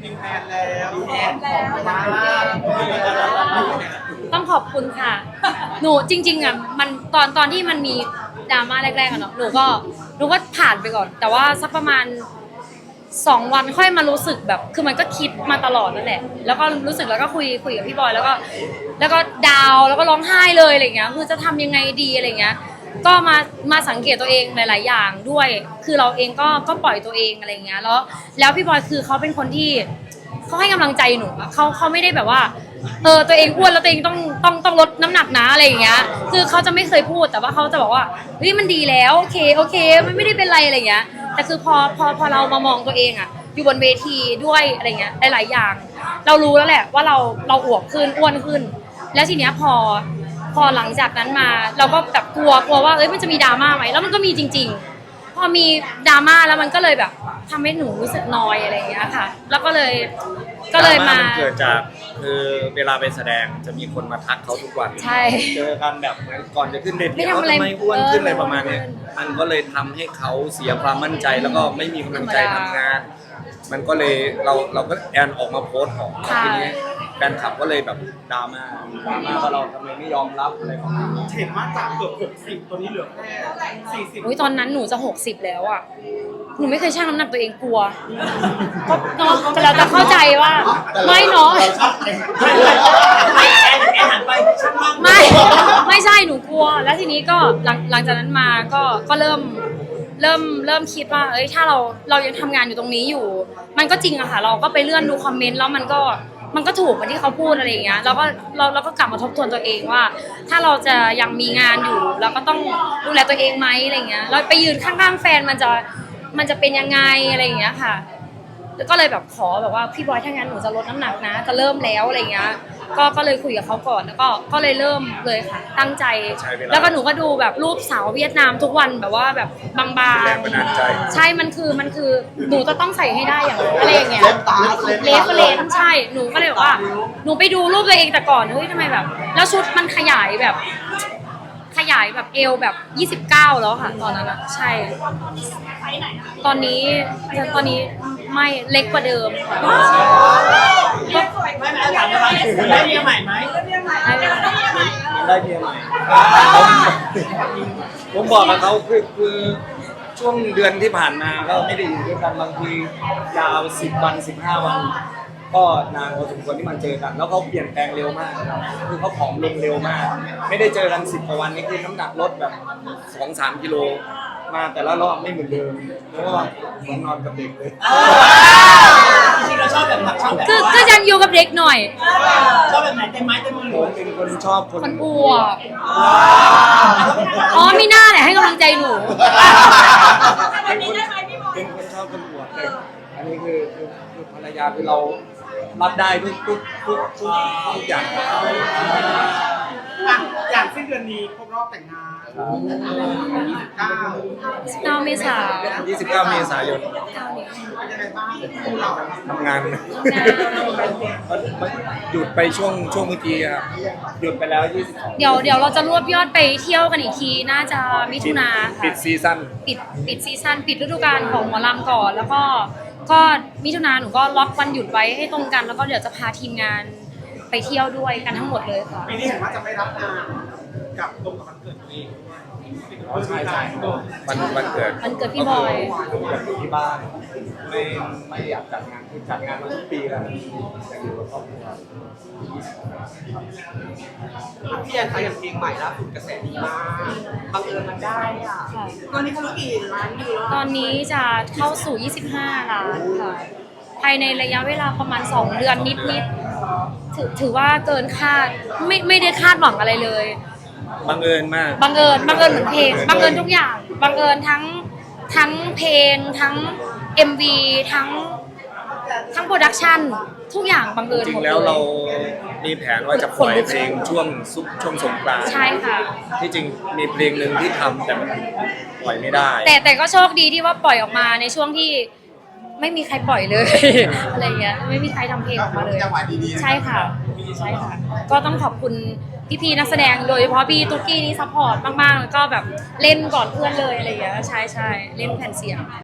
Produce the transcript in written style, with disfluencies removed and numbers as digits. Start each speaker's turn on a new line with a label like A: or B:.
A: มีแฟนแล้วแอนของมา
B: ต้องขอบคุณค่ะหนูจริงๆอ่ะมันตอนที่มันมีดราม่าแรกๆอะเนาะหนูก็ผ่านไปก่อนแต่ว่าสักประมาณ2 วันค่อยมารู้สึกแบบคือมันก็คิดมาตลอดนั่นแหละแล้วก็รู้สึกแล้วก็คุยกับพี่บอยแล้วก็ดาวแล้วก็ร้องไห้เลยอะไรเงี้ยคือจะทำยังไงดีอะไรเงี้ยก็มาสังเกตตัวเองหลายๆอย่างด้วยคือเราเองก็ปล่อยตัวเองอะไรเงี้ยแล้วพี่บอยคือเขาเป็นคนที่เขาให้กำลังใจหนูเขาไม่ได้แบบว่าตัวเองอ้วนแล้วตัวเองต้องลดน้ำหนักนะอะไรอย่างเงี้ยคือเขาจะไม่เคยพูดแต่ว่าเขาจะบอกว่าเฮ้ยมันดีแล้วโอเคมันไม่ได้เป็นไรอะไรอย่างเงี้ยแต่คือพอเรามามองตัวเองอะอยู่บนเวทีด้วยอะไรเงี้ยหลายๆอย่างเรารู้แล้วแหละว่าเราอวบขึ้นอ้วนขึ้นแล้วทีเนี้ยพอหลังจากนั้นมาเราก็แบบกลัวว่ามันจะมีดราม่าไหมแล้วมันก็มีจริงๆพอมีดราม่าแล้วมันก็เลยแบบทำให้หนูรู้สึกนอยอะไรอย่างเงี้ยค่ะแล้วก็เลยมา
C: เกิดจากคือเวลาไปแสดงจะมีคนมาทักเขาทุกวัน
B: ใช่
C: เจอกันแบบเหมือนก่อนจะขึ้นเวทีเขาทำไมอ้วนขึ้นอะไรประมาณนี้มันก็เลยทำให้เขาเสียความมั่นใจแล้วก็ไม่มีกำลังใจทำงานมันก็เลยเราก็แอนออกมาโพสต์ของทีนี้แฟนคลับก็เลยแบบดราม่าว่าเราทำไมไม่ยอมรับอะไรประมาณนี้
A: เห็นว่าจากเกือบ60ตัวนี้เหลือแค่40
B: ตอนนั้นหนูจะ60แล้วอ่ะหนูไม่เคยชั่งน้ำหนักตัวเองกลัวก็เนาะแต่เราจะเข้าใจว่าไม่เนาะไม่ใช่หนูกลัวแล้วทีนี้ก็หลังจากนั้นมาก็เริ่มคิดว่าถ้าเรายังทำงานอยู่ตรงนี้อยู่มันก็จริงอะค่ะเราก็ไปเลื่อนดูคอมเมนต์แล้วมันก็ถูกเหมือนที่เขาพูดอะไรอย่างเงี้ยเราก็กลับมาทบทวนตัวเองว่าถ้าเราจะยังมีงานอยู่เราก็ต้องดูแลตัวเองไหมอะไรเงี้ยเราไปยืนข้างๆแฟนมันจะเป็นยังไงอะไรอย่างเงี้ยค่ะแล้วก็เลยแบบขอแบบว่าพี่บอยถ้างั้นหนูจะลดน้ำหนักนะจะเริ่มแล้วอะไรเงี้ยก็เลยคุยกับเขาก่อนแล้วก็เลยเริ่มเลยค่ะตั้งใจแล้วก็หนูก็ดูแบบรูปสาวเวียดนามทุกวันแบบว่าแบบบางๆใช่มันคือหนูจะต้องใส่ให้ได้อย่างอะไรอย่างเงี้ยเลฟใช่หนูก็เลยบอกว่าหนูไปดูรูปตัวเองแต่ก่อนทำไมแบบแล้วชุดมันขยายแบบเอวแบบ29แล้วค่ะตอนนั้นอะใช่ตอนนี้ไม่เล็กกว่าเดิมค่ะ
A: ได้เมียใหม่ไหม
C: ได้เมียใหม่ผมบอกกับเขาคือช่วงเดือนที่ผ่านมาก็ไม่ได้อยู่ด้วยกันบางทียาว10 วัน15 วันก็นานพอสมควรที่มันเจอกันแล้วเขาเปลี่ยนแปลงเร็วมากคือเขาผอมลงเร็วมากไม่ได้เจอกัน10 กว่าวันนี้คือน้ำหนักลดแบบ 2-3 กิโลมาแต่ละรอบไม่เหมือนเดิมเพราะว่าเหมือนนอนกับเด็กเลย
A: จริงๆเราชอบแบบไหน
B: ก็ยังอยู่กับเด็กหน่อย
A: ชอบแบบไหนเต็มไม้เต็มมือ
C: ผมเป็นคนชอบคน
B: อ้วนไม่น่าแหละให้กำลังใจหนู
C: เป็นคนชอบคนอ้วนแต่อันนี้คือภรรยาคือเรารับได้ทุกอย่าง
A: อย่างสิ้นเดือนนี้ครบรอบแต่งงาน
B: 29 เมษายน
C: 29 เมษายน
A: เป็นยังไงบ้างคู่เรา
C: ทำงานหยุดไปช่วงเมื่อกี้ครับหยุดไปแล้ว22
B: เดี๋ยวเราจะรวบยอดไปเที่ยวกันอีกทีน่าจะมิถุนาค่ะ
C: ปิดซีซั่น
B: ปิดฤดูกาลของหมอลำก่อนแล้วก็มิถุนาหนูก็ล็อกวันหยุดไว้ให้ตรงกันแล้วก็เดี๋ยวจะพาทีมงานไปเที่ยวด้วยกันทั้งหมดเลยค่ะ
A: ปีนี้เห็นว่าจะไม่รับงานกับตรงกับวันเกิดตัวเอง
C: ใช่วันเกิด
B: พี่บอย
C: อยู่ที่บ้านไม่อยากจัดงานคือจัดงานมาทุกปีแล้วอยากอยู่กับครอบครัว
A: พี่แอนคะอย่างเพลงใหม่ล่าสุดกระแสดีมากบังเอิญมันได้อ่ะตอนนี้เขากี่ล้านวิว
B: ตอนนี้จะเข้าสู่25 ล้านค่ะภายในระยะเวลาประมาณ2 เดือนนิดถือว่าเกินคาดไม่ได้คาดหวังอะไรเลย
C: บังเอิญมาก
B: บังเอิญเหมือนเพลงบังเอิญทุกอย่างบังเอิญทั้งเพลงทั้ง MV ทั้งโปรดักชั่นทุกอย่างบังเอิญ
C: จริงแล้วเรามีแผนว่าจะปล่อยเพลงช่วงสงกรานต์
B: ใช่ค่ะ
C: ที่จริงมีเพลงหนึ่งที่ทำแต่มันปล่อยไม่ได้
B: แต่ก็โชคดีที่ว่าปล่อยออกมาในช่วงที่ไม่มีใครปล่อยเลยอะไรเงี้ยไม่มีใครทำเพลงออกมาเลยใช่ค่ะก็ต้องขอบคุณพี่นักแสดงโดยเฉพาะพี่ตุ๊กกี้นี่ซัพพอร์ตมากๆแล้วก็แบบเล่นก่อนเพื่อนเลยอะไรอย่างเงี้ยใช่เล่นแผ่นเสียง